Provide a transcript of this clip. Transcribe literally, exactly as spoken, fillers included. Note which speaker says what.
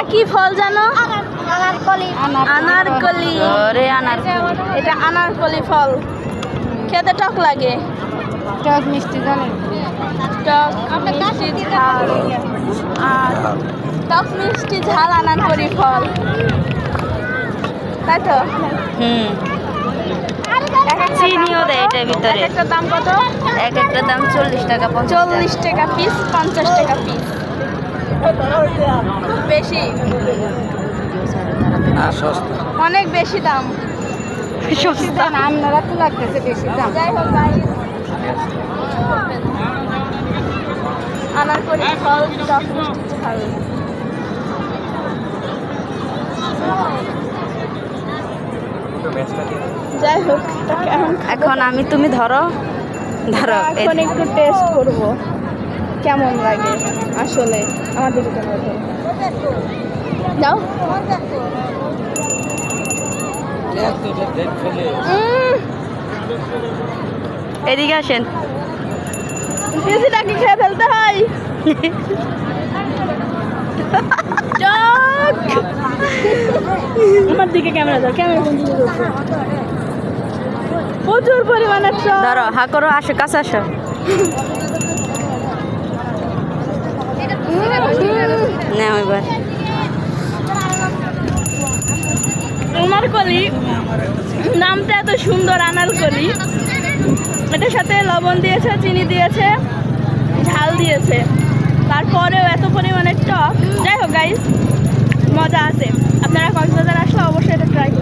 Speaker 1: কি ফল জানো?
Speaker 2: আনারকলি।
Speaker 1: আনারকলি।
Speaker 3: ওরে আনারকলি।
Speaker 1: এটা আনারকলি ফল, খেতে টক লাগে।
Speaker 2: টক মিষ্টি জানেন?
Speaker 1: টক মিষ্টি ঝাল আর টক মিষ্টি ঝাল আনারকলি ফল, তাই তো?
Speaker 3: হুম, চিনিও দেয় এটার ভিতরে।
Speaker 1: একটা দাম কত?
Speaker 3: এক একটা দাম চল্লিশ টাকা,
Speaker 1: চল্লিশ টাকা পিস, পঞ্চাশ টাকা পিস। বেশি, অনেক বেশি দাম।
Speaker 3: সস্তা।
Speaker 2: আপনারা তো লাগতেছে বেশি দাম।
Speaker 1: যাই হোক guys, আনারকলি ফল টক মিষ্টি ঝাল। যাই হোক, এটা কেমন খেতে?
Speaker 3: এখন আমি তুমি ধরো ধরো এই
Speaker 1: এখন একটু টেস্ট করব কেমন লাগে আসলে। আমাদের কেমন যাও। উম,
Speaker 3: এদিকে আসেন।
Speaker 1: বেশিটাকে খেয়ে ফেলতে হয়। টক। আমার দিকে ক্যামেরা দাও, ক্যামেরা কোন দিকে যাচ্ছে? প্রচুর পরিমাণে টক।
Speaker 3: ধরো হা করো, আসো কাছে আসো। নাও এবার।
Speaker 1: আনারকলি নামটা এত সুন্দর, আনারকলি। এটার সাথে লবণ দিয়েছে, চিনি দিয়েছে, ঝাল দিয়েছে, তারপরেও এত পরিমাণে টক। যাই হোক গাইস, মজা আছে। আপনারা কক্সবাজার আসলে অবশ্যই এটা ট্রাই করুন।